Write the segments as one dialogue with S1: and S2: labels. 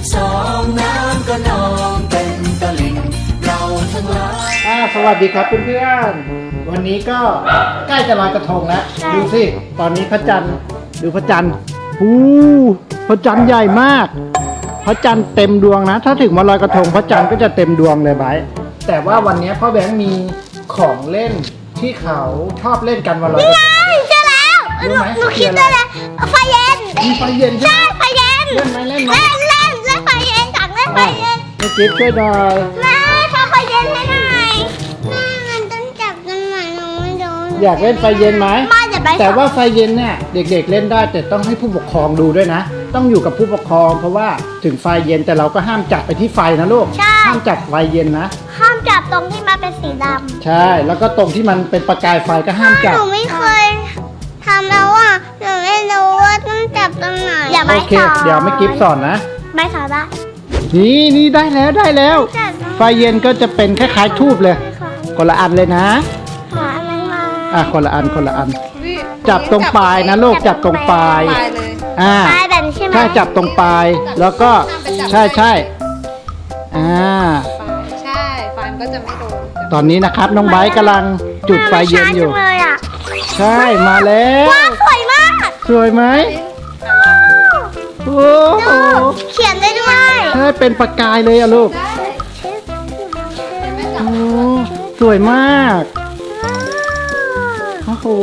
S1: 12น้ำก็นองเต็มตลิ่งเราทั้งหลาย
S2: สวัสดีครับเพื่อนๆวันนี้ก็ใกล้จะลอยกระทงแล้วดูสิตอนนี้พระจันทร์ดูพระจันทร์พระจันทร์ใหญ่มากพระจันทร์เต็มดวงนะถ้าถึงวันลอยกระทงพระจันทร์ก็จะเต็มดวงเลยไบร์ทแต่ว่าวันนี้พ่อแบงค์มีของเล่นที่เขาชอบเล่นกันวันลอยกระทง
S3: เจอแล้วหนูคิดได้แล้วไฟเย็น
S2: มีไฟเย็นใช่
S3: ใช่
S2: ไหม
S3: ไฟเย็น
S2: เล่นไหมเล่นไหม
S3: เล่นไฟเย็นจังเล่นไฟเย็น
S2: ให้จิ๊บช่วยหน่อย
S3: แม่ทำไฟเย็นให้หน่อยแม่มันต้องจับกันหน่อยหนูไม่โดน
S2: อยากเล่นไฟเย็นไหม
S3: มาจะไป
S2: แต่ว่าไฟเย็นเนี่ยเด็กๆเล่นได้แต่ต้องให้ผู้ปกครองดูด้วยนะต้องอยู่กับผู้ปกครองเพราะว่าถึงไฟเย็นแต่เราก็ห้ามจับไปที่ไฟนะลูกห้ามจับไฟเย็นนะ
S3: ห้ามจับตรงที่มันเป็นสีดำ
S2: ใช่แล้วก็ตรงที่มันเป็นประกายไฟก็ห้ามจับ
S3: หนูไม่เคยทำแล้วอ่ะหนูไม่รู้ว่าต้องจับตรงไหนอย่าไป
S2: โอเค
S3: สอน
S2: เดี๋ยวไม่กิฟสอนนะ
S3: ไม่สอนได้
S2: นี่ได้แล้ว
S3: จับ
S2: ไฟเย็นก็จะเป็นคล้ายๆทูบเลยคนละอันเลยนะ
S3: หาอะไรมา
S2: คนละอันจับตรงปลายนะลูกจับตรงปลาย
S4: ปลายเลย
S3: ปลายแบบนี้ใช่ไหม
S2: ถ้าจับตรงปลายแล้วก็ใช่อ่า
S4: ใช่ไฟมันก็จะไม่โดน
S2: ตอนนี้นะครับน้องไบร์ทกำลังจุดไฟเย็นอยู่
S3: ช้าจังเลยอ่ะ
S2: ใช่มาแล้ว
S3: ว้าวสวยมาก
S2: สวยไหมโอ้โห
S3: เขียนได้ด้วย
S2: ใช่เป็นประกายเลยอะลูกโอ้สวยมากโอ้โห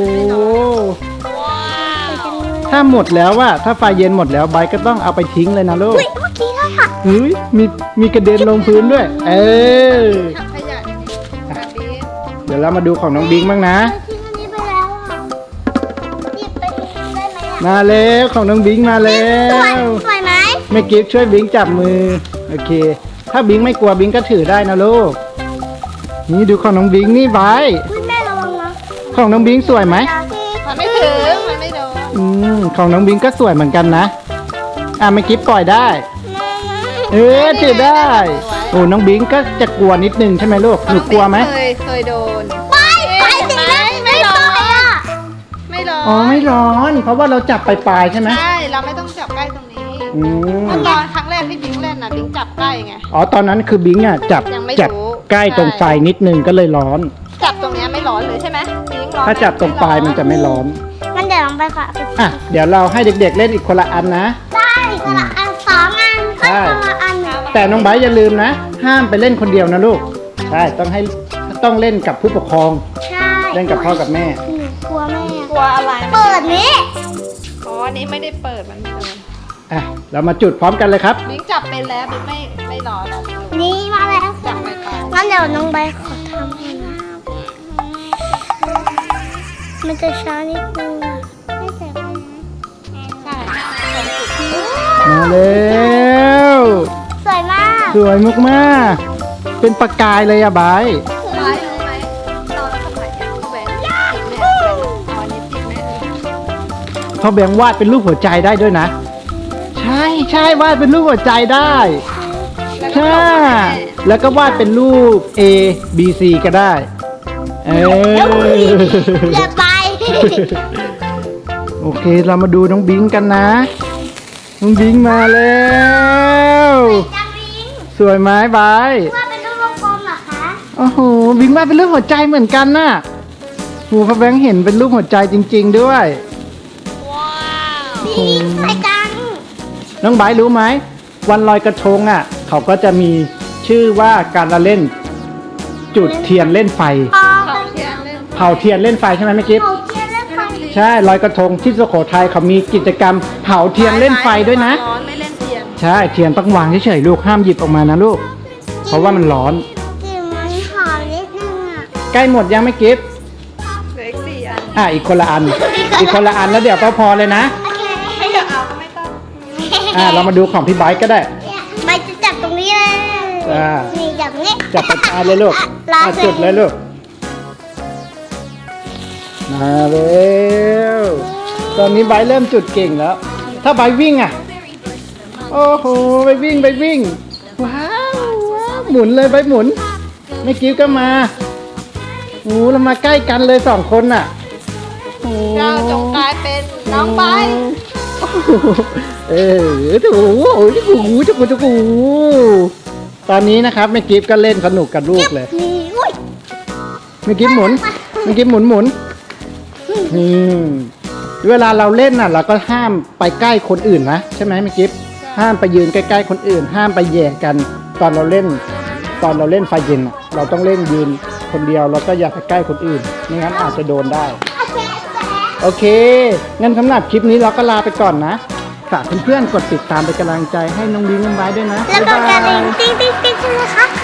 S2: ถ้าหมดแล้วว่าถ้าไฟเย็นหมดแล้วไบร์ทก็ต้องเอาไปทิ้งเลยนะลูก
S3: อุ้ยเมื่อกี้เลยค่ะ
S2: เฮ้ยมีกระเด็นลงพื้นด้วย
S4: ถังขยะแบบนี้
S2: เดี๋ยวเรามาดูของน้องบิงบ้างนะ
S3: ทิ้งอันนี้ไปแล้วอ่ะหยิบไปทิ้งได้ไหมอ่ะ
S2: มาแล้วของน้องบิงมาแล้
S3: สวยว สวยไหม
S2: แม่กิฟต์ช่วยบิงจับมือโอเค ถ้าบิงไม่กลัวบิงก็ถือได้นะลูกนี่ดูของน้องบิงนี่ไว้
S3: คุณแม่ระวังนะ
S2: ของน้องบิงสวยไหม
S4: มันไม่ถึงมันไม่โดน
S2: ของน้องบิงก็สวยเหมือนกันนะแม่กิฟต์ปล่อยได้ถือได้โอ้น้องบิงก็จะกลัวนิดนึงใช่ไหมลูกหนูกลัวไหม
S4: เคยโดน
S3: ไปสิแม่ไม่ร้อนอ่ะ
S4: ไม่ร้อน
S2: อ๋อไม่ร้อนเพราะว่าเราจับปลายๆใช่ไหม
S4: ใช่เราไม่ต้องจับใกล้ตรงนี้
S2: อืม
S4: เมื่อตอนครั้งแรกที่บิงเล่นนะบิงจับใกล้ไง
S2: อ๋อตอนนั้นคือบิงอ่ะจับ
S4: ยังไม่
S2: จับ
S4: รู้
S2: ใกล้ตรงไฟนิดนึงก็เลยร้อน
S4: จับตรงเนี้ยไม่ร้อนเลยใช่ไหมบิงร้อน
S2: ถ้าจับตรงปลายมันจะไม่ร้อน
S3: มันเดี๋ยวลองไปค่ะ
S2: เดี๋ยวเราให้เด็กๆเล่นอีกคนละอันนะ
S3: ได้คนละอันสองอัน
S2: ใช่
S3: คนละอัน
S2: แต่น้องไบร์ทอย่าลืมนะ ห้ามไปเล่นคนเดียวนะลูก ใช่ต้องเล่นกับผู้ปกครอง
S3: ใช่
S2: เล่นกับพ่อกับแม่
S3: หนูกลัวแม่
S4: กลัวอะไร
S3: เปิดนี้
S4: อ๋ออันนี้ไม่ได้เปิดมันไม่โดน
S2: เรามาจุดพร้อมกันเลยครับ
S4: บิงจับเป็นแล้วบิงไม่ร้อนแล้ว
S3: นี่มาแล้ว
S4: จับไปปลาย
S3: งั้นเดี๋ยวน้องใบขอทำให้นะมันจะช้านิดนึงอะไม่เสร็จเลยนะ
S4: ใช่ตรงจุดที่
S2: มาแล้ว
S3: สวยมาก
S2: สวยมากๆเป็นประกายเลยอะไบร์ท
S4: ร้ายรู้ไหมตอนสมัยเนี่ยเขาแหวนเนี่ยตอนนี้ติดแม่เลย
S2: เขาแบ่งวาดเป็นรูปหัวใจได้ด้วยนะ ใช่วาดเป็นรูปหัวใจได้ ใช่แล้วก็วาดเป็นรูป A B C ก็ได้
S3: อย่าไป
S2: โอเคเรามาดูน้องบิงกันนะ น้องบิงมาแล้ว
S3: จังวิง
S2: สวยไหมบาย
S3: ว่าเป็นรูปวงกลมเหรอคะ
S2: โอ้โหบิงวาดเป็นรูปหัวใจเหมือนกันน่ะโหพ่อแบงค์เห็นเป็นรูปหัวใจจริง ๆด้วย
S3: นี่ใส่กัน
S2: น้องบายรู้ไหมวันลอยกระทงอ่ะ เขาก็จะมีชื่อว่าการละเล่น จุดเทียนเล่นไฟ
S3: อ๋อ
S4: เขาเทียนเล่น
S2: เผาเทียนเล่นไฟใช่ไหมแม่กิฟ
S3: เขาเทียนเล่นไฟ
S2: ใช่ลอยกระทงที่สุโขทัยเขามีกิจกรรมเผาเทียนเล่นไฟด้วยนะ
S4: ร้อนไม่เล่นเทียน
S2: ใช่เทียนต้องวางเฉยๆลูกห้ามหยิบออกมานะลูก เพราะว่ามันร้อน
S3: กลิ่นมันหอมนิดนึงอ่ะ
S2: ใกล้หมดยังไม่กิฟ
S4: เหลืออีก4 อัน
S2: อีกคนละอัน อีกคนละอันแล้วเดี๋ยวพอเลยนะ
S3: โอเค
S4: ไม่อยากเอาก็ไม่ต้อง
S2: เรามาดูของพี่ไบค์ก็ได้
S3: ใบจะจับตรงนี้เลย
S2: จ้า
S3: นี่จับนี้
S2: จับปากกาเลยลูก
S3: รอ
S2: จุดเลยลูกมาแล้วตอนนี้ไบค์เริ่มจุดเก่งแล้ว ถ้าไบค์วิ่งอ่ะโอ้โหไปวิ่งว้าวหมุนเลยไบค์หมุนไม่กิ้วก็มาโอ้เรามาใกล้กันเลย2 คนน่ะโอ้
S4: เจ้าจงกลายเป็นน้องใบ
S2: โอ้เออถูจุกูจุกูตอนนี้นะครับแม่กิฟก็เล่นสนุกกับลูกเลย
S3: นี่อุ้ย
S2: แม่กิฟหมุนหมุนเวลาเราเล่นน่ะเราก็ห้ามไปใกล้คนอื่นนะใช่ไหมแม่กิฟห้ามไปยืนใกล้ๆคนอื่น ห้ามไปแย่งกันตอนเราเล่นไฟเย็นอ่ะเราต้องเล่นยืนคนเดียวแล้วก็อย่าไปใกล้คนอื่นไม่งั้นอาจจะโดนได้ โอเคงั้นสำหรับคลิปนี้เราก็ลาไปก่อนนะฝากเพื่อนๆกดติดตามเป็นกำลังใจให้น้องบิงน้องไบร์ทด้วยนะ
S3: แล้วก็กระดิ่งติ๊งติ๊งติ๊งใช่ไหมคะ